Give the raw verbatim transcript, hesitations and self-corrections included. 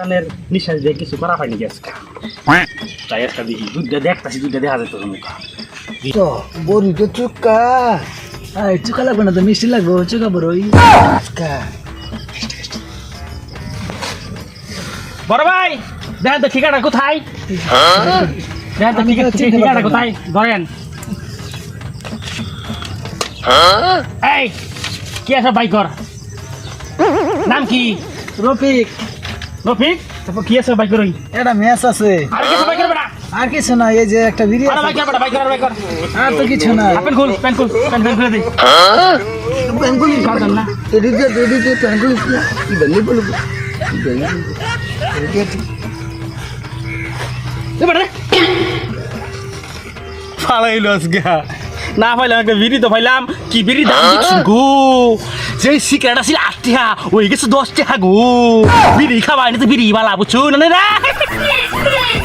শয়তানের নিঃশ্বাস দিয়ে কিছু করা হয়নি আজকে তাই একটা দেখি দুধটা দেখতাছি দুধটা দেখা যেত মুখা তো বড়ি তো চুক্কা আই চুক্কা লাগবে না তো মিষ্টি লাগবে চুক্কা বড়ই আজকা বড় ভাই দেখেন তো ঠিকানা কোথায় দেখেন তো ঠিকানা কোথায় ধরেন এই কি আছে বাইকর নাম কি রফিক রফিক তারপর কি আছে বাইকর ওই এটা ম্যাচ আছে আর কিছু বাইকর বেটা আর কিছু না এই যে একটা বিড়ি আর বাইকর বেটা বাইকর বাইকর আর তো কিছু না আপেল খুল পেন খুল পেন পেন খুলে দে বেঙ্গুলি কাটন না এদিকে এদিকে বেঙ্গুলি কি বেঙ্গুলি বলবো এ বেটা ফালাইলো আজকে না পাইলাম একটা বিড়ি তো পাইলাম কি বিড়ি দাম দিচ্ছি গো যে সিগারেট আছিল আট টাকা ওই গেছে দশ টাকা গো বিড়ি খাওয়া তো বিড়ি বালা বুঝছো না